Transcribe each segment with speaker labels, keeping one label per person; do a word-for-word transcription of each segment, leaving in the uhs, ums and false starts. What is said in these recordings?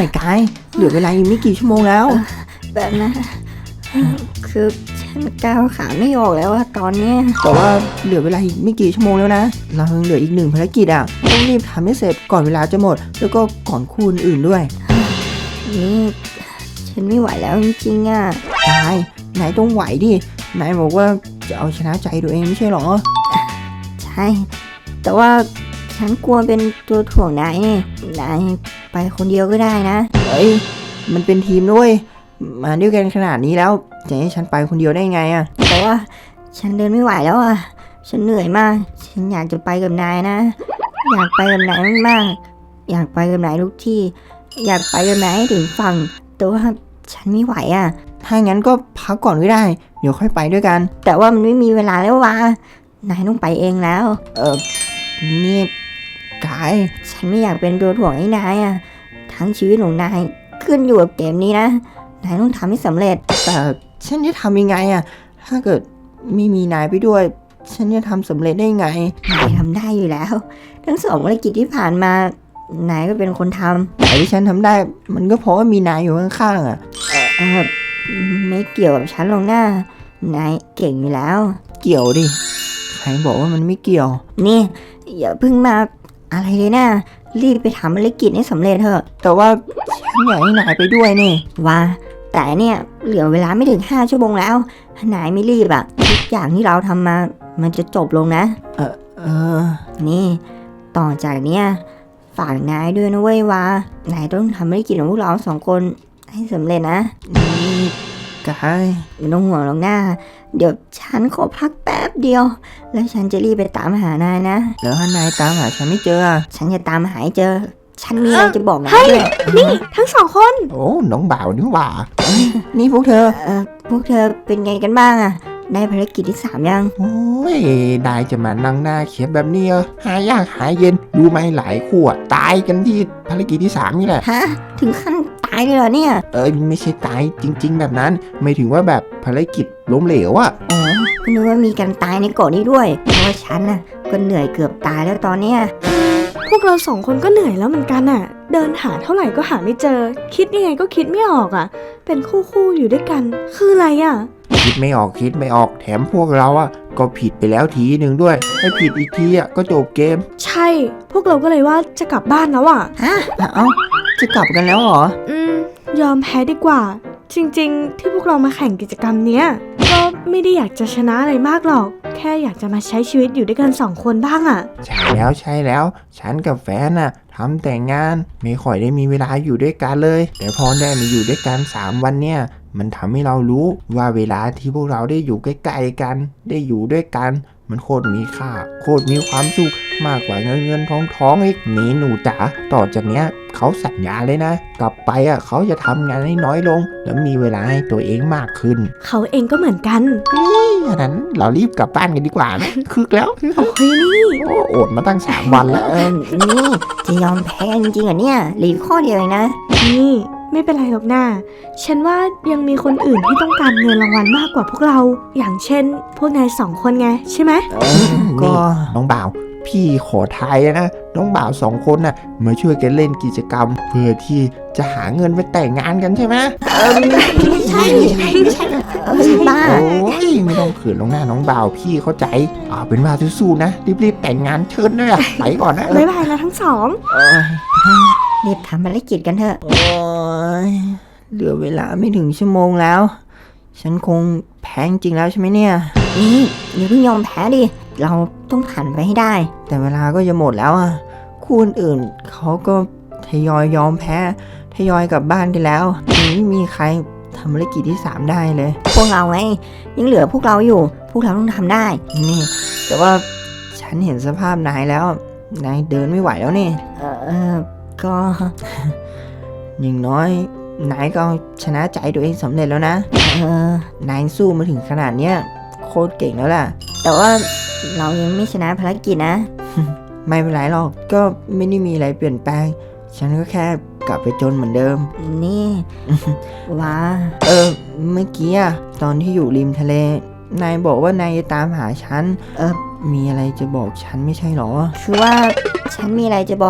Speaker 1: น่อยกายเหลือเวลาอีกไม่กี่ชั่วโมงแล้ว
Speaker 2: แบบนั้นคือฉันก้าวขาไม่ออกแล้วอะตอนนี้
Speaker 1: แต่ว่าเหลือเวลาอีกไม่กี่ชั่วโมงแล้วนะเรายังเหลืออีกหนึ่งภารกิจอ่ะต้องรีบทำให้เสร็จก่อนเวลาจะหมดแล้วก็ก่อนคู่อื่นด้วย
Speaker 2: นี่ฉันไม่ไหวแล้วจริงๆอ่ะ
Speaker 1: นายนายต้องไหวดินายบอกว่าจะเอาชนะใจตัวเองไม่ใช่หรอ
Speaker 2: ใช่แต่ว่าฉันกลัวเป็นตัวถ่วงนายนี่นายไปคนเดียวก็ได้นะ
Speaker 1: เฮ้ยมันเป็นทีมด้วยมาด้วยกันขนาดนี้แล้วจะให้ฉันไปคนเดียวได้ไงอ่ะ
Speaker 2: แต่ว่าฉันเดินไม่ไหวแล้วอ่ะฉันเหนื่อยมากฉันอยากจะไปกับนายนะอยากไปกับนายมากๆอยากไปกับนายทุกที่อยากไปกับนายให้ถึงฝั่งแต่ว่าฉันไม่ไหวอ่ะ
Speaker 1: ถ้างั้นก็พักก่อนก็ได้เดี๋ยวค่อยไปด้วยกัน
Speaker 2: แต่ว่ามันไม่มีเวลาแล้ววะนายต้องไปเองแล้ว
Speaker 1: เออนี่กาย
Speaker 2: ฉันไม่อยากเป็นตัวถ่วงให้นายอ่ะทั้งชีวิตของนายขึ้นอยู่กับเกมนี้นะนายต้องทำให้สำเร็จ
Speaker 1: แต่ฉันจะทำยังไงอ่ะถ้าเกิดไม่มีนายไปด้วยฉันจะทำสำเร็จได้ไง
Speaker 2: นายทำได้อยู่แล้วทั้งสองภารกิจที่ผ่านมานายก็เป็นคนทำ
Speaker 1: แต่ที่ฉันทำได้มันก็เพราะว่ามีนายอยู่ข้างๆอ่ะ
Speaker 2: เออไม่เกี่ยวกับฉันหรอกนะนายเก่งอยู่แล้ว
Speaker 1: เกี่ยวดิใครบอกว่ามันไม่เกี่ยว
Speaker 2: นี่อย่าเพิ่งมาอะไรเลยนะรีบไปทำภารกิจให้สำเร็จเถอะ
Speaker 1: แต่ว่าฉันอยากให้นายไปด้วยนี่
Speaker 2: ว่าแต่เนี่ยเหลือเวลาไม่ถึงห้าชั่วโมงแล้วถ้านายไม่รีบอะทุกอย่างที่เราทำมามันจะจบลงนะ
Speaker 1: เออเออ
Speaker 2: นี่ต่อจากเนี้ยฝากนายด้วยนะเว้ยว่านายต้องทำภารกิจของพวกเราสองคนให้สำเร็จนะ
Speaker 1: นี่กาย
Speaker 2: ไม่ต้องห่วงหรอกนะเดี๋ยวฉันขอพักแป๊บเดียวแล้วฉันจะรีบไปตามหานายนะ
Speaker 1: แล้วถ้านายตามหาฉันไม่เจอ
Speaker 2: ฉันจะตามหาให้เจอฉันมีอะไรจะบอกนาย
Speaker 3: ด้วยนี่ทั้งสองคน
Speaker 1: โอ้น้องบ่าวนี่หว่านี่พวกเธอ
Speaker 2: เออพวกเธอเป็นไงกันบ้างอะได้ภารกิจที่สามยัง
Speaker 1: โอ้ยได้จะมานั่งหน้าเขียนแบบนี้หายากหายเย็นดูไหมหลายคู่ตายกันที่ภารกิจที่สามนี่แหละ
Speaker 2: ฮะถึงขั้นตายเลยเหรอเนี่ย
Speaker 1: เอ้ยไม่ใช่ตายจริงๆแบบนั้นไม่ถึงว่าแบบภารกิจล้มเหลวอะ
Speaker 2: อ๋อก็นึกว่ามีการตายในเกาะนี้ด้วยเพราะว่าฉันน่ะก็เหนื่อยเกือบตายแล้วตอนเนี้ย
Speaker 3: พวกเราสองคนก็เหนื่อยแล้วเหมือนกันอ่ะเดินหาเท่าไหร่ก็หาไม่เจอคิดยังไงก็คิดไม่ออกอ่ะเป็นคู่คู่อยู่ด้วยกันคืออะไรอ่ะ
Speaker 1: คิดไม่ออกคิดไม่ออกแถมพวกเราอ่ะก็ผิดไปแล้วทีหนึ่งด้วยให้ผิดอีกทีอ่ะก็จบเกม
Speaker 3: ใช่พวกเราก็เลยว่าจะกลับบ้านแล้วอ่ะ
Speaker 2: ฮะ
Speaker 1: เอ้าจะกลับกันแล้วเหรอ
Speaker 3: อืมยอมแพ้ดีกว่าจริงๆที่พวกเรามาแข่งกิจกรรมเนี้ยก็ไม่ได้อยากจะชนะอะไรมากหรอกแค่อยากจะมาใช้ชีวิตอยู่ด้วยกันสองคนบ้างอ่ะ
Speaker 1: ใช่แล้วใช่แล้วฉันกับแฟนน่ะทำแต่งงานไม่ค่อยได้มีเวลาอยู่ด้วยกันเลยแต่พอได้มาอยู่ด้วยกันสามวันเนี่ยมันทำให้เรารู้ว่าเวลาที่พวกเราได้อยู่ใกล้ๆกันได้อยู่ด้วยกันมันโคตรมีค่าโคตรมีความสุขมากกว่าเงินเงินทองทองอีกนี่หนูจ๋าต่อจากเนี้ยเขาสัญญาเลยนะกลับไปอ่ะเขาจะทำงานให้น้อยลงแล้วมีเวลาให้ตัวเองมากขึ้น
Speaker 3: เขาเองก็เหมือนกัน
Speaker 1: อันนั้นเรารีบกลับบ้านกันดีกว่านะคึกแล้ว
Speaker 3: โอ้ยนี่
Speaker 1: โอ้อดมาตั้งสามวันแล้ว
Speaker 2: เออนี่จะยอมแพ้จริงๆเหรอเนี่ยหลีกข้อเดียวเองนะ
Speaker 3: นี่ไม่เป็นไรหรอกนะฉันว่ายังมีคนอื่นที่ต้องการเงินรางวัลมากกว่าพวกเราอย่างเช่นพวกนายสองคนไงใช่ไหม
Speaker 1: ก็น้องบ่าวพี่ขอทายนะน้องบ่าวสองคนน่ะมาช่วยกันเล่นกิจกรรมเพื่อที่จะหาเงินไปแต่งงานกันใช่ไหม
Speaker 2: เออไม่ใช่ไม่ใช่บ้า
Speaker 1: โอ้ยไม่ต้องขืนลงหน้าน้องบ่าวพี่เข้าใจอ่าเป็นว่าสู้ๆนะรีบๆแต่งงานเชิญด้วยไปก่อนนะ
Speaker 3: บ๊ายบายนะทั้งสอง
Speaker 2: รีบทำภารกิจกันเถอะ
Speaker 1: โอ้ยเหลือเวลาไม่ถึงชั่วโมงแล้วฉันคงแพ้จริงแล้วใช่ไหมเนี่ย
Speaker 2: นี่อย่าเพิ่งยอมแพ้ดิเราต้องผ่านไปให้ได้
Speaker 1: แต่เวลาก็จะหมดแล้วอ่ะคู่อื่นเขาก็ทยอยยอมแพ้ทยอยกลับบ้านกันแล้วไม่มีใครทำภารกิจที่สามได้เลย
Speaker 2: พวกเราไงยังเหลือพวกเราอยู่พวกเราต้องทำได้
Speaker 1: นี่แต่ว่าฉันเห็นสภาพนายแล้วนายเดินไม่ไหวแล้วนี่
Speaker 2: เออก็
Speaker 1: อย่างน้อยนายก็ชนะใจตัวเองสำเร็จแล้วนะ
Speaker 2: เอ
Speaker 1: อนายสู้มาถึงขนาดเนี้ยโคตรเก่งแล้วล่ะ
Speaker 2: แต่ว่าเรายังไม่ชนะภารกิจนะ
Speaker 1: ไม่เป็นไรหรอกก็ไม่ได้มีอะไรเปลี่ยนแปลงฉันก็แค่กลับไปจนเหมือนเดิม
Speaker 2: นี่ว้า
Speaker 1: เออเมื่อกี้อะตอนที่อยู่ริมทะเลนายบอกว่านายจะตามหาฉัน
Speaker 2: เออ
Speaker 1: มีอะไรจะบอกฉันไม่ใช่หรอ
Speaker 2: คือว่าฉันมีอะไรจะบอก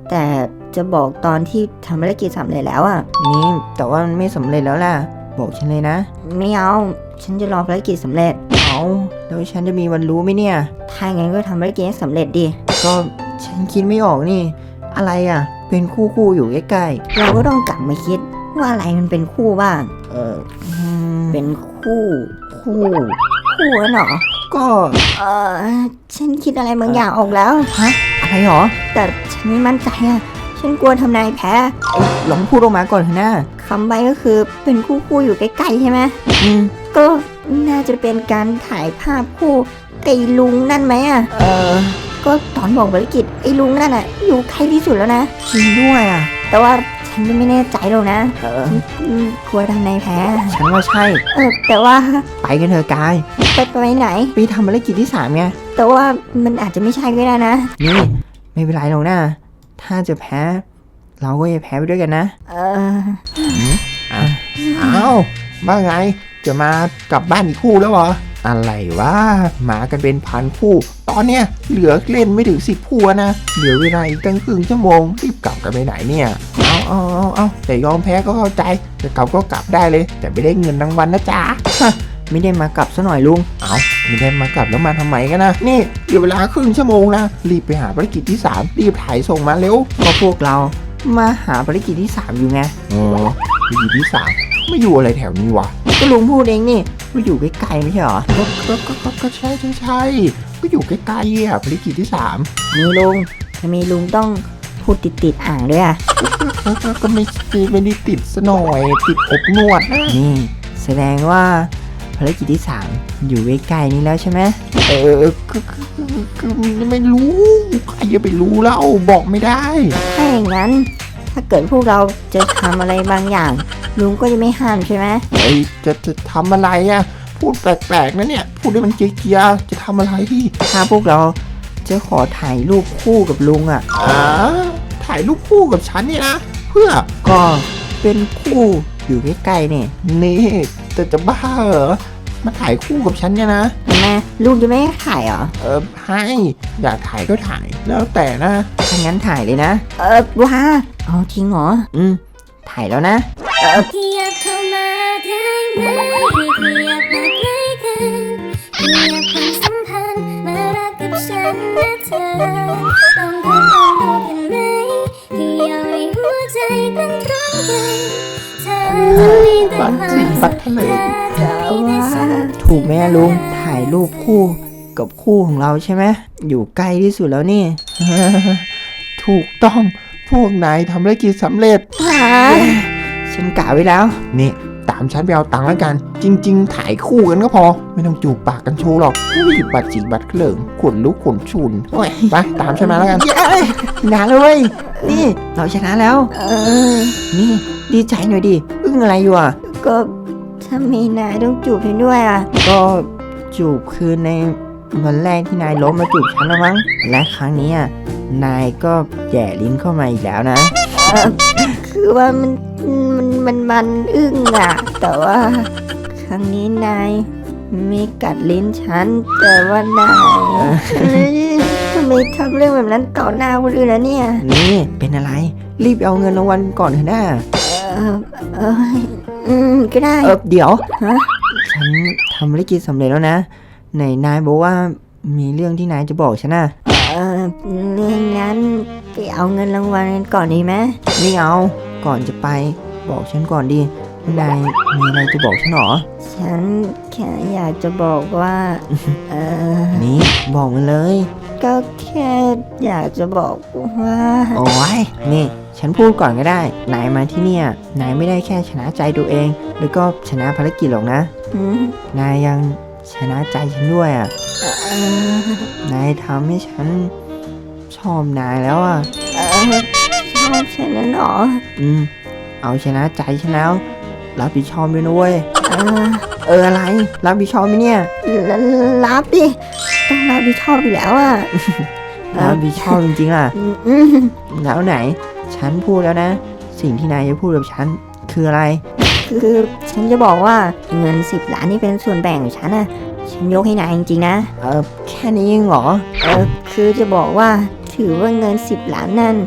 Speaker 2: แต่จะบอกตอนที่ทำภารกิจสำเร็จแล้วอ่ะ
Speaker 1: นี่แต่ว่ามันไม่สำเร็จแล้วล่ะบอกฉันเลยนะ
Speaker 2: ไม่เอา ฉันจะรอภารกิจสำเร็จ
Speaker 1: เอาแล้วฉันจะมีวันรู้ไหมเนี่ย
Speaker 2: ถ้างั้นก็ทำภารกิจให้สำเร็จดิ
Speaker 1: ก็ฉันคิดไม่ออกนี่ อะไรอ่ะ เป็นคู่คู่ๆอยู่ใกล้
Speaker 2: เราก็ต้องกลับมาคิดว่าอะไรมันเป็นคู่บ้าง
Speaker 1: ๆเอออืม
Speaker 2: เป็นคู่ คู่ คู่กันเหรอ
Speaker 1: ก็
Speaker 2: เออฉันคิดอะไรบางอย่างออกแล้ว
Speaker 1: ฮะอะไรหรอ
Speaker 2: แต่ฉันไม่มั่นใจอ่ะ ฉันกลัวทำนายแพ้
Speaker 1: เอ้ยลองพูดออกมาก่อนเถอะนะ
Speaker 2: คำใบก็คือเป็นคู่คู่อยู่ใกล้ๆใช่ไหม
Speaker 1: อืม
Speaker 2: ก็น่าจะเป็นการถ่ายภาพคู่ไอ้ลุงนั่นไหมอ่ะ
Speaker 1: เออ
Speaker 2: ก็ตอนบอกภารกิจไอ้ลุงนั่นอ่ะ อยู่ใกล้ที่สุดแล้วนะ
Speaker 1: จริงด้วยอ่ะ
Speaker 2: แต่ว่าฉันก็ไม่แน่ใจหรอกนะ
Speaker 1: เออ
Speaker 2: อืมกลัวทำนายแพ้
Speaker 1: ฉันว่าใช่
Speaker 2: เออแต่ว่า
Speaker 1: ไปกันเถอะกาย
Speaker 2: ไปไปไหน
Speaker 1: ไปทำภารกิจที่สามไง
Speaker 2: แต่ว่ามันอาจจะไม่ใช่ก็ได้นะ
Speaker 1: นี่ ไม่เป็นไรหรอกนะ ถ้าจะแพ้ เราก็จะแพ้ไปด้วยกันนะ
Speaker 2: เออ
Speaker 1: อ้าวว่าไง จะมากลับบ้านอีกคู่แล้วเหรอ อะไรวะมากันเป็นพันคู่ ตอนเนี้ยเหลือเล่นไม่ถึงสิบคู่อะนะ เหลือเวลาอีกตั้งครึ่งชั่วโมง รีบกลับกันไปไหนเนี่ย เอาเอาเอาเอาแต่ยอมแพ้ก็เข้าใจ จะกลับก็กลับได้เลย แต่ไม่ได้เงินรางวัลนะจ๊ะ
Speaker 2: ไม่ได้มากลับซะหน่อยลุง
Speaker 1: เอาไม่ได้มากลับแล้วมาทำไมกันนะ นี่เหลือเวลาครึ่งชั่วโมงนะ รีบไปหาภารกิจที่สามรีบถ่ายส่งมาเร็ว
Speaker 2: ก็พวกเรามาหาภารกิจที่สามอยู่ไง
Speaker 1: เออภารกิจที่สามไม่อยู่อะไรแถวนี้วะ
Speaker 2: ก็ลุงพูดเองนี่ว่าอยู่ใกล้ๆไม่ใช่เหรอ
Speaker 1: ก็ก็ก็ก็ก็ใช่ใช่ใช่ก็อยู่ใกล้ๆอ่ะภารกิจที่สาม
Speaker 2: มีลุงทำไมลุงต้องพูดติดติดๆอ่างด้วยอ่ะ
Speaker 1: ก็ก็ก็ไม่ไม่ได้ติดซะหน่อยติดอบนวดนะ
Speaker 2: นี่แสดงว่าภารกิจที่สามอยู่ใกล้ๆนี้แล้วใช่ไหม
Speaker 1: เออก็ก็ก็ก็ไม่รู้ใครจะไปรู้แล้วบอกไม่ได้
Speaker 2: ถ้าอย่างนั้น ถ้าเกิดพวกเราจะทำอะไรบางอย่าง ลุงก็จะไม่ห้ามใช่ไหม
Speaker 1: เฮ้ยจะจะทำอะไรอ่ะพูดแปลกๆนะเนี่ยพูดให้มันเกียร์ๆจะทำอะไร
Speaker 2: ถ้าพวกเราจะขอถ่ายรูปคู่กับลุงอ่ะ
Speaker 1: อ่าถ่ายรูปคู่กับฉันเนี่ยนะเพื่อ
Speaker 2: ก็เป็นคู่อยู่ใกล้ๆเนี่ย
Speaker 1: นี่แต่จะบ้าเหรอมาถ่ายคู่กับฉันเนี่ยนะ
Speaker 2: ทำไมลุงจะไม่ให้ถ่ายเหรอ
Speaker 1: เออให้อยากถ่ายก็ถ่ายแล้วแต่นะ
Speaker 2: ถ้างั้นถ่ายเลยนะ เออว้าเอาจริงเหรอ อืม ถ่ายแล้วนะ
Speaker 4: ขยับเข้ามาได้ไหมขยับมาใกล้กันขยับความสัมพันธ์มารักกับฉันนะเธอลองทดลองดูกันไหมขยับให้หัวใจตั้งตรงกันเธอจะมีแต่ความสุขเธอจะมีแต่ฉัน
Speaker 2: ถูกไหมอะลุง ถ่ายรูปคู่กับคู่ของเราใช่ไหม อยู่ใกล้ที่สุดแล้วนี่
Speaker 1: ถูกต้องพวกนายทำธุรกิจสำเร็จ
Speaker 2: ฉันกะไว้แล้ว
Speaker 1: นี่ตามฉันไปเอาตังค์แล้วกัน จริง ๆ ถ่ายคู่กันก็พอ ไม่ต้องจูบปากกันโชว์หรอกอุ้ยบัดจีบัดเคลิงขนลุกขนชุนโอ้ยไปตามฉันมาแล้วกัน
Speaker 2: เย้ชนะเลยเว้ยนี่ เราชนะแล้ว เออ นี่ ดีใจหน่อยดิ อึ้งอะไรอยู่อ่ะ ก็ถ้ามีนายต้องจูบฉันด้วยอ่ะ ก็จูบคือในวันแรกที่นายล้มมาจูบฉันแล้วมั้ง และครั้งนี้อ่ะ นายก็แย่ลิ้นเข้ามาอีกแล้วนะ คือว่ามันมันมันมันอึ้งอ่ะ แต่ว่า ครั้งนี้นายไม่กัดลิ้นฉัน แต่ว่านายทำไมทำเรื่องแบบนั้นต่อหน้าคนอื่นแล้วเนี่ย นี่เป็นอะไร รีบเอาเงินรางวัลก่อนเถอะนะเออเอออืมก็ได้ เออเดี๋ยวฮะฉันทำภารกิจสำเร็จแล้วนะไหนนายบอกว่ามีเรื่องที่นายจะบอกฉันนะเออเรื่องนั้นไปเอาเงินรางวัลกันก่อนดีไหมไม่เอาก่อนจะไปบอกฉันก่อนดินายมีอะไรจะบอกฉันหรอ ฉันแค่อยากจะบอกว่า เออนี่บอกมาเลย ก็แค่อยากจะบอกว่า โอ้ยนี่ ฉันพูดก่อนก็ได้ นายมาที่เนี่ย นายไม่ได้แค่ชนะใจตัวเอง แล้วก็ชนะภารกิจหรอกนะ นายยังชนะใจฉันด้วยอ่ะ นายทำให้ฉันชอบนายแล้วอ่ะชอบฉันนั้นหรอ อืม เอาชนะใจฉันแล้ว รับผิดชอบด้วยนะเว้ย เออ เอออะไร รับผิดชอบไหมเนี่ย รับดิ ต้องรับผิดชอบอยู่แล้วอ่ะ รับผิดชอบจริงๆอ่ะแล้วไหน ฉันพูดแล้วนะ สิ่งที่นายจะพูดกับฉันคืออะไร คือฉันจะบอกว่าเงินสิบล้านนี่เป็นส่วนแบ่งของฉันอ่ะ ฉันยกให้นายจริงๆนะ เออแค่นี้เองเหรอ เออคือจะบอกว่าถือว่าเงินสิบล้านนั่น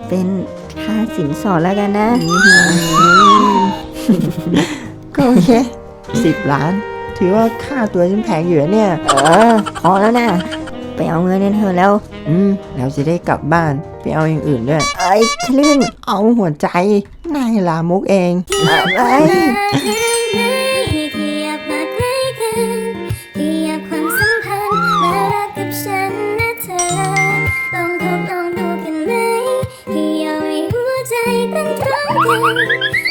Speaker 2: เป็นค่าสินสอดแล้วกันนะ
Speaker 1: ก็โอเคสิบล้าน ถือว่าค่าตัวฉันแพงอยู่นะเนี่ย
Speaker 2: เออพอแล้วนะไปเอาเงินกันเธอะแล้ว
Speaker 1: อืมเราจะได้กลับบ้านไปเอาอย่างอื่นด้วย
Speaker 2: ไอ้ทะลึ่ง
Speaker 1: เอาหัวใจนายลามกเอง
Speaker 2: อะไร
Speaker 4: ขยับมาใกล้กันขยับความสัมพันธ์มารักกับฉันนะเธอลองทดลองดูกันไหมขยับให้หัวใจเต้นพร้อมกัน